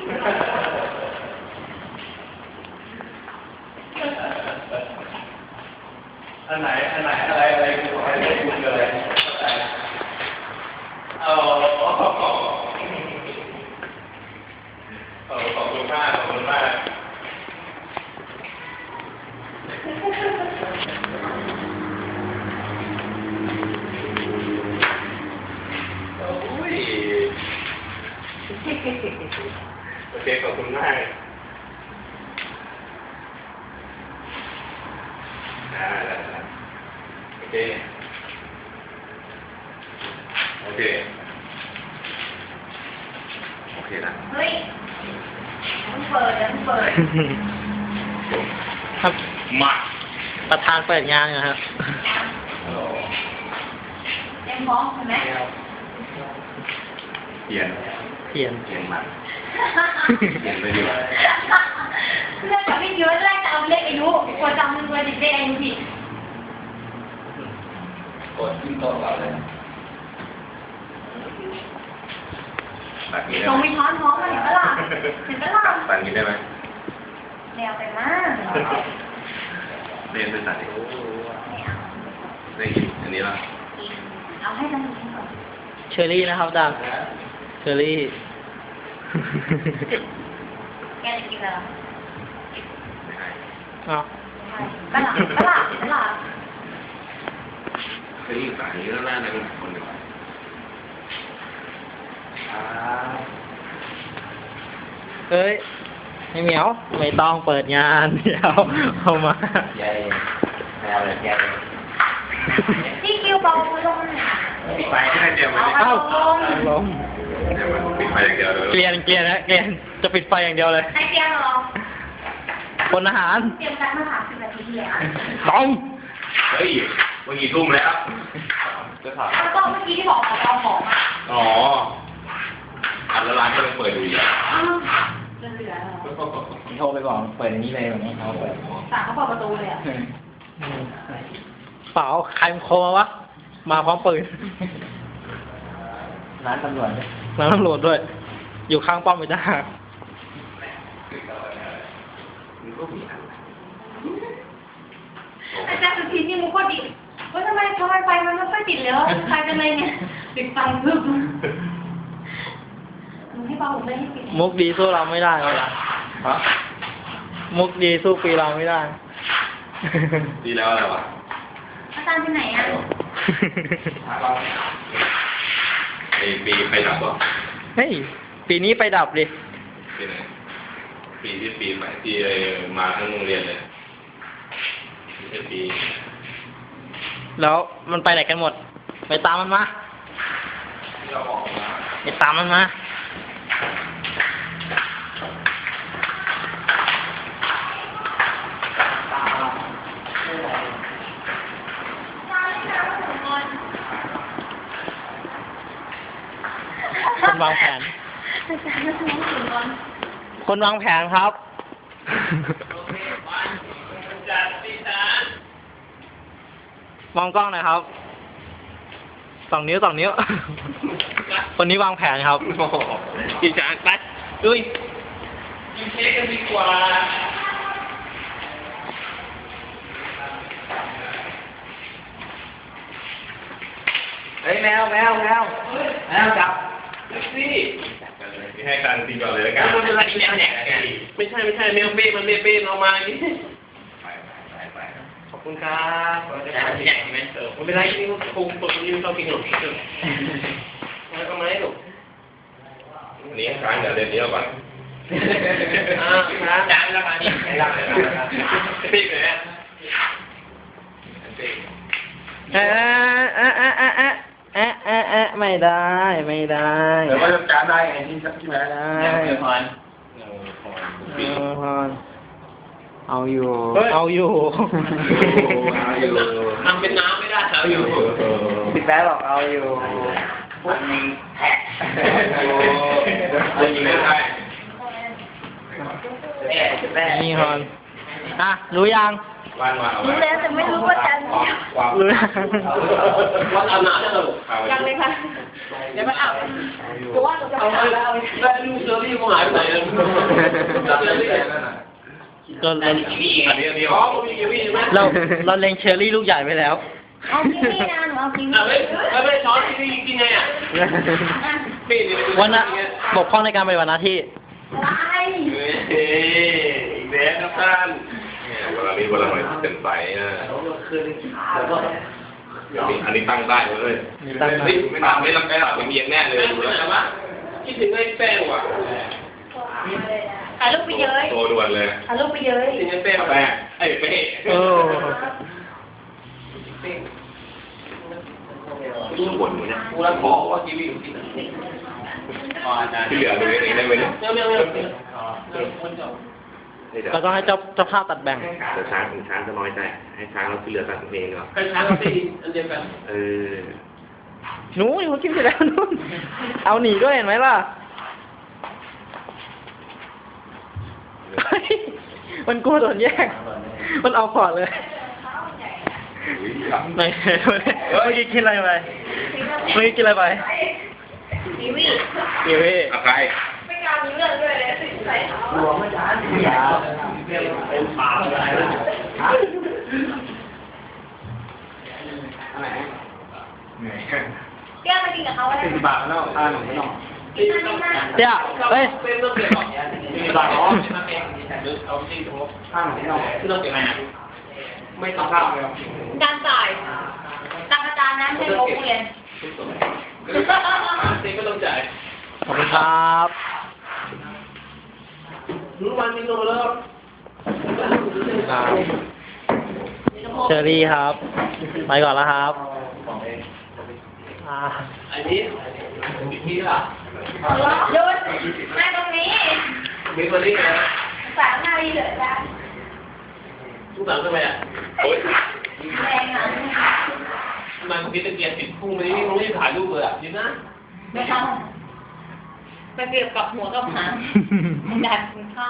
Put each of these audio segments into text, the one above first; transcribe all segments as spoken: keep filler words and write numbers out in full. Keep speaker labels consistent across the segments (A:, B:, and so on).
A: อันไหนอันไหนอะไรอะไรกูอะไรกูเจออะไรเอาขอบคุณมากขอบคุณมากโอ้ยโอเคขอบคุณมากได้ได้โอเคโอเคโอเคนะ
B: เฮ้ยมันเปิดมันเปิด
C: ครับ
A: มา
C: ประธานเปิดงานนะครับ
B: เต็มพร้อมใช่ไหม
A: เปลี่ยน
C: เปลี่ยน
A: เปลี่ยนมันเปลี่ยนไปดีกว่า
B: เรื่องกับพี่เยอะแรกจะเอาเลขอายุกว่าจำเป็นเลขอายุผิด
A: กดขึ้นโต๊ะเราเลยตัดนี้ได้
B: ตรง
A: ไหม
B: มีช้อนท้องมันเห็นปะล่ะเห็นปะล่ะ
A: ตัดนี้ได้ไหม
B: แนวไปมาก
A: เรียนเป็นตัดอีก
B: ไม่เอา
A: ได้กินอันนี้ละ
B: กินเอาให้มันกินก่อน
C: เชอรี่นะครับดังเชอรี่
B: แกจะกินอะไร
A: ไม่ให้
C: อ๋อ
B: ปะล่ะปะล่ะปะล่ะ
A: เคยยิ่งสายนี้แล้วหน้าในมันคนหนึ่ง
C: เอ้ยไอ้เหมียวไม่ต้องเปิดงานเดี๋ยวเอามา
A: ใหญ่แนวเลยใหญ่
B: พี่คิวเบามือลงหน่อย
A: ปิดไฟให้เดียวมัน
C: เอ้าล้ม
A: เดี๋ยวมันปิดไฟอย่างเดียวเลย
C: เกลียนเกลียนนะเกลียนจะปิดไฟอย่างเดียวเลย
B: ให้เตรียมรอ
C: คนอาหาร
B: เตรียมการมาสามสิบนาทีที่แล้ว
C: ต้อง
A: เฮ้ยวันกี่ทุ่มแล้วจะถาม
B: แล้วก็เมื่อกี้ที่บอกของเราของอ่ะ
A: อ๋ออันละร้านก็ยังเปิดอยู่อีกอ่ะ
B: อ้าวเหลือๆ
C: โทรไปบอกเปิดอย่างนี้เลยแบบนี้เขาเปิด
B: สั่งเขาเปิดประตูเลยอ่ะ
C: เปล่าใครมันโคมาวะมาพร้อมปืน
D: ร้านตำรวจ
C: ร้านตำรวจด้วย อยู่ข้างป้อมไปจ้า
A: มันก็มีอัน
B: อาจารย์สุธีนี่มุกก็ดิว่าทำไมทำไมไฟมันไม่ค่อยติดเลยใครเป็นไรเนี่ยติดไฟพึบหนูให้เบาผมไม่ให้ปิด
C: มุกดีสู้เราไม่ได้เลยล่ะ
A: ฮะ
C: มุกดีสู้ปีเราไม่ได้
A: ดีแล้วอะไรวะ
B: อาจารย์ไปไหนอ่ะ
A: ไอปีไปดับวะ
C: เฮ้ย ปีนี้ไปดับดิ
A: ปีไหนปีที่ปีใหม่ที่มาทั้งโรงเรียนเลยไม่ใช่ปี
C: แล้วมันไปไหนกันหมด ไปตามมันมา
A: ที่เราออกมา
C: ไปตามมันมา คนวางแผน
B: อาจารย์มาถึงถึงก่อน
C: คนวางแผนครับ มองกล้องหน่อยครับสองนิ้วสองนิ้ว คนนี้วางแผนครับอีจานไปดุยกินเค้กกันดีกว่าเฮ้ยแมวแมวแมวแมวจับสิ
A: ให้การตีก่อนเลยแล้วกัน
C: มันเป็นอะไรแมวเนี่ยไม่ใช่ไม่ใช่แมวเป้มันเป้เป้เอามาอย่างนี้
A: ไปไปไป
C: ขอบคุณครับใหญ่ใหญ่ไหมเออไม่เป็นไรนี่คงตัวนี้เรากินหนุนเออแล้วก็ไม่หนุน
A: นี้ค้างเดี๋ยวเดี๋ยวนี้ก่อน
C: อ่าครับจานละมานี่ไม่รับเลยครับปีกเลยเอ๊ะเอ๊ะเอ๊ะเอ๊ะเอ๊ะเอ๊ะเอ๊ะไม่ได้ไม่ได้
A: เดี๋ยวก็จะจานได้ไงที่ที่ไหน
C: ได้
D: เดี๋ยวพร
C: เออพรเอาอยู่เอาอยู่
A: เอาอยู่
C: ทำเป็นน้ำไม่ได้เอาอยู่
D: พี่แป๊ะบอกเอาอยู่มันมีแท็ก
A: เอาอยู่ไม่ได้
D: แป๊ะ
C: นี่ฮอนอ่ะรู้ยัง
A: เบ้านมาเอา
B: รู้แล้วแต่ไม่รู้ว่าจันทร์
A: ความ
C: รู้
A: วัดอานาเนี่ยเรา
B: ยังเลยค่ะเดี๋ยวมันอาบเพราะว่าเราจะ
A: เอา
B: อา
A: ไป
B: บแล้ว
A: แล้วลูกเชอรี่เขาหายไปไหนอ่ะจับเลยนี่
C: เราเรา
A: อันนี้อันนี้อ๋อมีกีวีใช่ไหม
C: เราเราเล็งเชอรี่ลูกใหญ่ไปแล้ว
B: เอากินนี่นะหนูเอากิน
A: อ่ะไม่ไม่ช้อนกีวีกินไงอ่ะปีนี่
C: วันน่ะบกพร่องในการปฏิบัติหน้าที่
B: อะไร
A: เฮ้ยอีกแล้วครับท่านเนี่ยเวลานี้เวลาหน่อยเป็นไฟอ่ะอันนี้ตั้งได้เลย
C: นี่ตั้งได้
A: ไม่ทำไม่ลำแป้งหรอกมันเอียงแน่เลยดูแล้วใช่ไหมคิดถึงไอ้แป้งว่ะ
B: ถ่ายรูปไปเย้ย
A: โตด่วนเลย
B: ถ่ายรูปไปเย้ย
A: คิดถึงไอ้แป้งแป้งไอ้เป้
C: โอ้
A: รู้บ่นอยู่เนี่ยกูรักขอว่ากีวีอยู่ที่ไหนที่เหลือดูเองได้ไหมเนี่ย
C: เราต้องให้เจ้าเจ้าภาพตัดแบ่ง
A: เดี๋ยวช้างช้างจะน้อยใจให้ช้างเราที่เหลือตัดเองเหรอ
E: ให้ช้างเขาตีอันเดียวกัน
A: เออ
C: หนูอยู่กินเสร็จแล้วนู่นเอาหนีด้วยเห็นไหมล่ะเฮ้ยมันกลัวโดนแย่งมันเอาพอร์ตเลยไม่เมื่อกี้กินอะไรไปเมื่อกี้กินอะไรไป
B: ทีวี
C: กีวี
A: อะใคร
B: ไม่กล้ามีเรื่องด้วยเลยสิใส่เท้า
D: หลวงไม่ทันอย่าเป็นปากอะไรนะฮะอะไรเหนื่อย
B: แก้วมากินกับเขาอะไร
D: เป็นบาทแล้วอ่าหนุ่มไม่ต้อง
B: กินอันนี้มาก
C: เจ้าเฮ้ย
E: เป็นเรื่องเกี่ยวกับ
D: เป็นบาทอ๋อ
E: เอาที่ตรง
D: ข้างหนุ่มไม่ต้อง
E: ที่เราเก็บมา
D: ไม่ต้องข้าวเลย
B: การจ่ายตังอาจารย์นะไม่ใช่โรงเรียน
E: ตีก็ต้องจ่าย
C: ขอบคุณครับ
E: รู้วันนี้ลงแล้ว
C: เชอรี่ครับ ไปก่อนแล้วครับอ่า
E: อันนี้ที่ล่ะ
B: หยุดนั่งตรงนี้
E: มีคนนี้นะ
B: สามนาทีเหลือแล้ว
E: ทุกหลังทำไมอ่ะ
A: โอ๊ย
B: แรงอ่ะ
E: มันมีตะเกียบติดพุ่งมานี่ไม่รู้จะถ่ายรูปเลยอ่ะดีนะ
B: ไม่ทำไปเกี่ยวกับหัวกับหางมันดันกินข้าว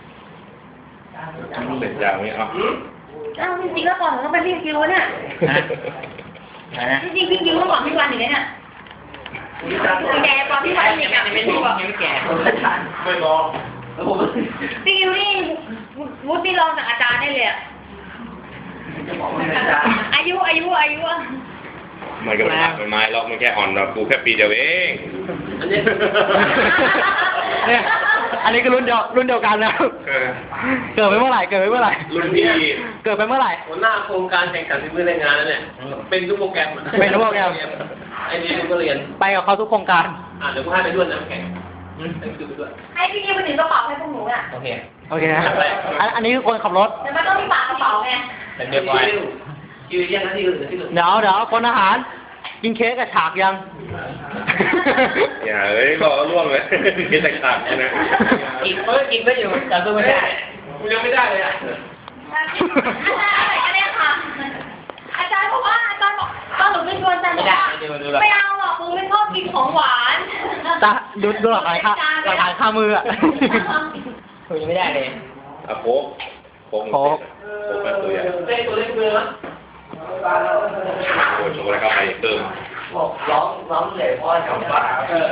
A: เสร็จยังไม่เอา
B: อ้าวจริงๆแล้วก่อนผมต้องไปพี่กิวเนี่ยจริงๆพี่กิวเมื่อก่อนพี่วันอยู่เลยเนี่ยแกตอนพี่วันเด็กอ่ะเป็นพี่บอก
D: แก่
E: ไม่บอกแล้วผม
B: พี่กิวนี่วุฒิรองจากอาจารย์ได้เลยอ่ะ
D: จะบอกไม่ได้
B: อายุอายุอายุอ่ะ
A: มันก็ไม่หักไม่ไม้หรอกมันแค่อ่อนเรากูแค่ปีเดียวเอง
E: อันนี้
C: เนี่ยอันนี้ก็รุ่นเดียวรุ่นเดียวกันแล้ว
A: เออ
C: เกิดไปเมื่อไหร่เกิดไปเมื่อไหร่
A: รุ่นพี่
C: เกิดไปเมื่อไหร่
E: หัวหน้าโครงการแข่งขันฝีมือแรงงานนั่นเนี่ยเป็นทุกโปรแกรม
C: เป็นทุกโปรแกรม
E: ไอ้นี่ก็เรียน
C: ไปกับเขาทุกโครงการ
E: อ่ะเดี๋ยวกูให้ไปด้วยนะแข่งให้ดูไปด้วย
B: ให้พี่กิวไปถึงกระเป๋าให้พวกหนูอ่ะ
E: โอเค
C: โอเคนะอันอันนี้คือคนขับรถ
B: แต่มันต้องมีปากกระเป๋าไง
E: เป็นเรียบร้อยคิวแยกหน้าที่อื่นที่อื่น
C: เดี๋ยวเดี๋ยวคนอาหาร กินเค้กกับฉากยัง
A: อย่าเอ้ยบอกว่าร่วงเลยกินแต่ขาดนะ
E: กินเพิ่มกินก็อยู่แต่ตัวไม่ได้กูยังไม่ได้เลยอ่ะ
B: อาจารย์อะไรก็ได้ค่ะ อาจารย์บอกว่าอาจารย์บอกตอนหนูไปชวนอาจารย์บอกว่าไม่เอาหรอกกูไม่ชอบกินของหวาน
C: ตาดูดูหลักฐานค่าหลักฐานค่ามืออ่ะ
E: กูยังไม่ได้เลย
A: อะโค้กโค้กโค้กแบบตัวใหญ่
E: เต้ตัวเล็กเลยมั้ย
A: โอ้ช็อกโกแลตเข้าไปเติม
D: บอกร้องร้องเลยพ่อแถวบ้าน
E: เออ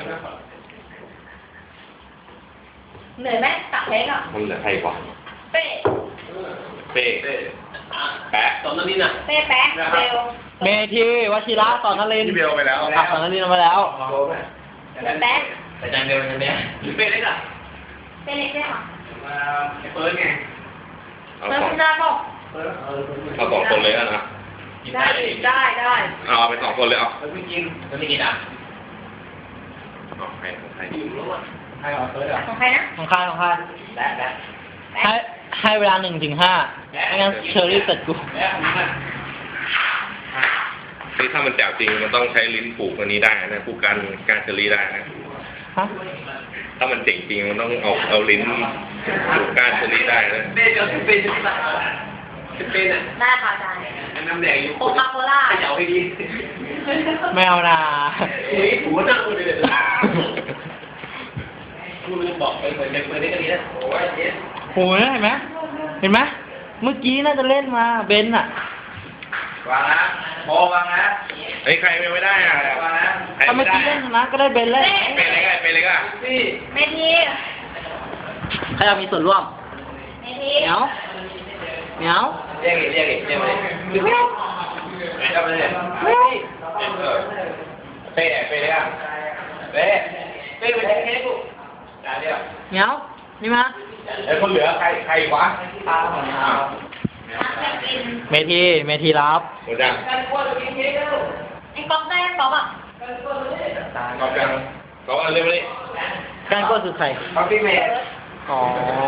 B: เหนื่อยไหมตักเค้กอ่ะ
A: มันเหลือใครกว่า
B: เป้
A: เป้แปะ
E: ตอนนั้นนี่น่ะ
B: เป้แป๊ะเบล
C: เมทีวชิระสอนนรินทร์
A: ที่เบลไปแล้ว
C: อ่ะสอนนรินทร์มาแล้ว
B: แป๊ะ
E: แต่จานเดียวกันเนี่ยเป้เล็กอ่ะ
B: เป้เล็กได้ค่ะ
E: เปิดไง
A: เอา
B: เติม
A: สอง
B: คุณได้บอก
A: เอาสองคนเลยนะ
B: ได้ได้ได้
A: เอาไปสองคนเลยเอา
E: แล้วพี่กินแล้วพี่กินอ่ะ
A: เอาให้ของใคร
E: อยู่รู้อ่ะใครเอาเปิดอ่ะ
B: ของใครนะ
C: ของใครของใคร
E: และและ
C: ให้ให้เวลาหนึ่งถึงห้าไม่งั้นเชอรี่เสร็จกู
E: และนี่น่ะ
A: นี่ถ้ามันแจ๋วจริงมันต้องใช้ลิ้นผูกอันนี้ได้นะผูกการการเชอรี่ได้นะ
C: ฮะ
A: ถ้ามันเจ๋งจริงมันต้องเอาเอาลิ้นผูกการเชอรี่ได้นะ
E: เป้เดี๋ยวเป้จะไม่ได้เป้น่ะ
B: ได้ค่ะอาจารย์
E: น้ำแดงอยู่
B: โคคาโคล่า
E: เขย่าให้ดี
C: ไม่เอานา
E: อุ้ยหัวนั่งเลยเดี๋ยวกูลืมบอกไปเปิดเปิดได้ก็ดีนะโอ้ยเย็น
C: โหเห็นไหมเห็นไหมเมื่อกี้น่าจะเล่นมาเบนอะ
A: วางนะพอวางนะเฮ้ยใครเป็นไม่ได้อ่ะวางนะ
C: ถ้าเมื่อกี้เล่นชนะก็ได้เบนแล้ว
A: เป็นอะไรกันเป็นอะไรกันพี่
B: เมที
C: ใครอยากมีส่วนร่วม
B: เมที
C: เหนียวเหนียว
A: เรียกอีกเรียกอีกเรียกมาดิไม่เอาไปเลยเป้เป้เลยอ่ะเป้เป้ไปเทเทกูจ่ายเดียว
C: เหนียวนี่มา
A: ไอ้คนเหลือใครใครวะอ้าว
C: เมทีเมทีรับ
A: หมดยัง
B: ไอ้ก๊อกได้ก๊อกอ่ะ
A: กอบยังกอบอันเร็วเลย
C: การก็คือใคร
D: เขาพี่เมย์
C: อ๋อ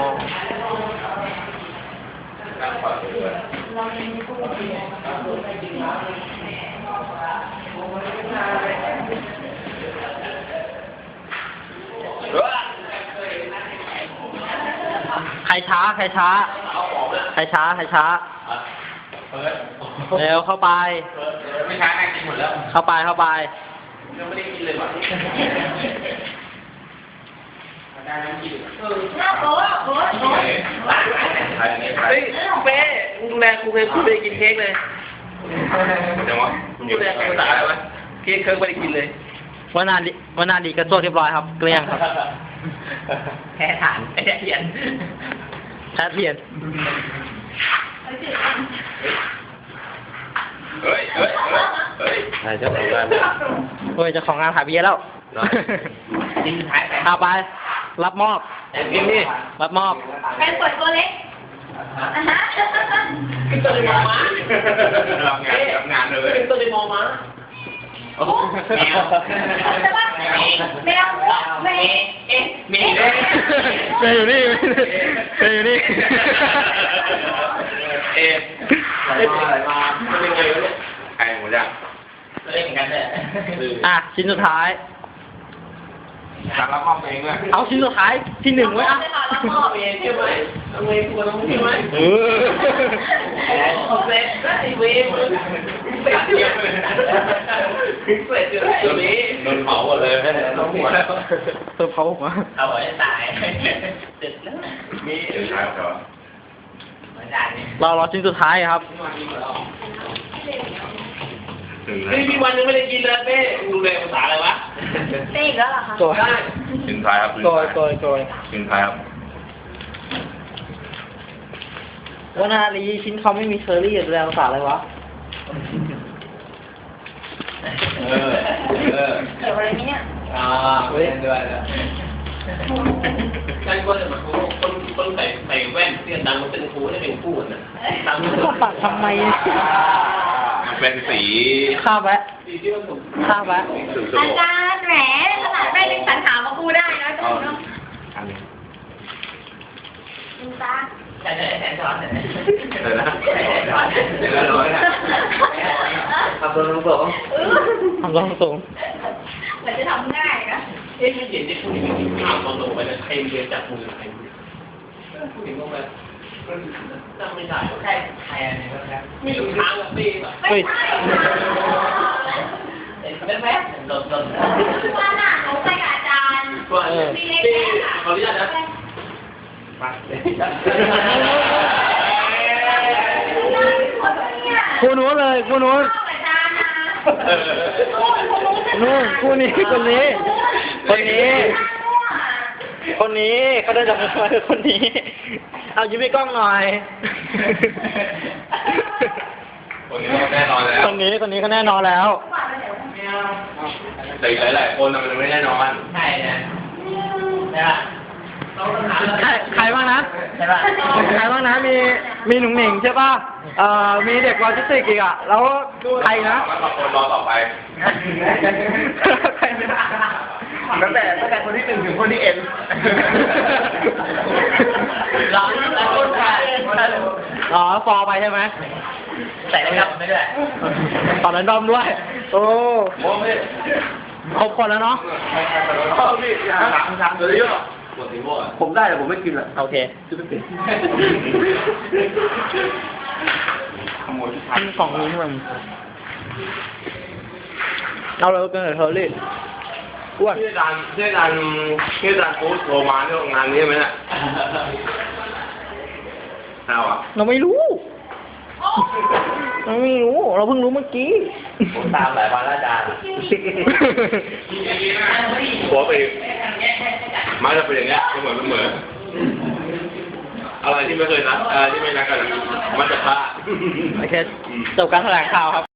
C: ใครช้า ใครช้า ใครช้า ใครช้า เร็วเข้าไป
A: ไม่ช้าแม่กินหมดแล้ว
C: เข้าไป เข้าไป
A: ยังไม่ได้กินเลยว่ะ
B: หน้าโบ๊ะโบ๊ะโบ๊ะ
D: เฮ้ยเป้ดูแลครูเคยพูดไปกินเค้กเลย
A: จังวะ
D: ดูแลครูตายไหมเค้กเคยไม่ได้กินเลย
C: วันนาดีวันนาดีกระโจกเรียบร้อยครับ เกลี้ยงครับ
D: แพ้ฐานแพ้เทียน
C: แพ้เทียน
A: เฮ้ยเฮ้ยเฮ้ยใช่เจ้าของบ้าน
C: เฮ้ยเจะของงานหายไปเยอะแล้ว
D: กินท้ายแต่
C: เอาไป รับมอบ
D: กินนี่
C: รับมอบ
B: เป็นกดตัวเล็กอ่ะฮะ
D: กินตัวเดียวมา
A: ทำงานทำงานเลย
D: กินตัวเดียวมาโอ้แมว
B: แต่ว่าแมวแมวแมว
D: เอ๊ะมี
C: เมย์อยู่นี่เมย์อยู่นี่
A: เอ๊ะอะไรมาอะไรมาเป็นไงวะเนี่ยใครหมดยัง
D: เล่นกันเลย
C: อ่ะ ชิ้นสุดท้าย
A: สั่งรับมอบเองด้วย
C: เอาชิ้นสุดท้ายที่หนึ่งไว้อ่ะ
B: แล้วก็
D: เมย์ใช่ไหมเมย์ควรต้องใช่ไหม
C: เออ
D: โอเคไอ้เมย์มึงเป็ดเดียวเป็ดเดียวไอ้เมย์
A: โดนเผาหมดเลยน้องหัวแล้ว
C: เติมเขาผมว่า
D: เอาไว้ตายเสร็จแล้ว
A: มีเดี๋ยวใช่ครับ
D: เหมือนกันนี่
C: เรารอชิ้นสุดท้ายครับ
A: ถึง
D: นี่มีวันนึงไม่ได้กินเลยเป้ดูแลภาษาอะไรวะ
B: เต้อีกแล้วเหรอคะ
C: โกย
A: ถึงท้ายครับ
C: โกยโกยโกย
A: ถึงท้ายครับ
C: วันนาลีชิ้นเขาไม่มีเคอรี่อยู่แล้วภาษาอะไรวะ
A: เออเออ
B: เกี่ยวอะไรนี้เนี่ย
D: อ่าเล่นด้วยนะการก็เลยมาคนคนใส่ใส่แว่นเสื้อดำมันเป็นครูได้เป็นคู่นะดำ
C: ก็ปัดทำไม
A: เป็นสี
C: ข้าแวะ
D: สีที่มันถูก
C: ข้าแวะ
A: สุด
B: อาจารย์แหมขนาดแม่ยังสันถามมากูได้นะจ๊ะเนาะ
A: อันนี้
B: ดูตา
D: ใช่ใช่แทนช้อนเนี่ย
A: เดี๋ยวนะเดี๋ยวนะร้อยนะ
D: ทำตัวลงตัว
C: ทำรองสูง
B: เหมือนจะทำง่ายนะ
D: เอ๊ะไม่เห็นจะพูดอย่างนี้ถามตอนลงไปเลยใครเรียนจากมือใครพูดถึงลงไปจำไม่ได้ใครใครอะไรนะครับมีอยู่ทางกับปีแบบ
C: เฮ้ย
D: แม่แม่หล่นหล่น
B: ว่าน่ะหนูไปกับอาจารย์
D: ว่าปีขออนุญาตนะมา
C: คู่นู้นเลยคู่นู้น
B: อาจารย์นะ
C: นู่นคู่นี้คนนี้ คนนี้ คนนี้เขาได้จากมือมาคือคนนี้ เอายิ้มให้กล้องหน่อย
A: คนนี้แน่นอนแล้ว
C: คนนี้คนนี้ก็แน่นอนแล้ว
A: แต่หลายๆคนมันไม่แน่นอน
D: ใช่นะใช่ป่ะต้องถาม
C: ใครใครบ้างนะ
D: ใช่ป่ะ
C: ใครบ้างนะ มีมีหนุ่งหนิงใช่ป่ะ เอ่อ มีเด็กวอลจิสติกอีกอ่ะ แล้วใครนะ
A: แล้วก็คนรอต่อไป
C: ใครนะ
D: ตั้งแต่ตั้งแต่คนที่หนึ่งถึงคนที่เอ็นร้อนแล้วคนขาย
C: อ๋อ ฟอร์ไปใช่ไหม
D: ใส่ได้ครับไม่ได้
C: ตอนนั้นดอมด้วย โอ้
A: โอ้พี่
C: ครบคนแล้วเนาะ
A: พ่อพี่ถามถามตัวเยอะปวดสีม่วง
D: ผมได้แต่ผมไม่กินละ
C: โอเค
A: ขโมยที่
C: อันสองนิ้วมันเอาเลยกันเลยเธอรีอ้วน
A: ที่อาจารย์ที่อาจารย์ที่อาจารย์โค้ชโทรมาเรื่องงานนี้ไหมเนี่ยข้าวอ่ะ
C: เราไม่รู้ เราไม่รู้ เราเพิ่งรู้เมื่อกี้
D: ผมตามหลายวันแล้วอาจารย์
A: หัวไปมาจะเป็นอย่างเงี้ยก็เหมือนเหมือนอะไรที่ไม่เคยนัดอะไรที่ไม่นัดกันมันจะพลาด
C: โอเค จบการแถลงข่าวครับ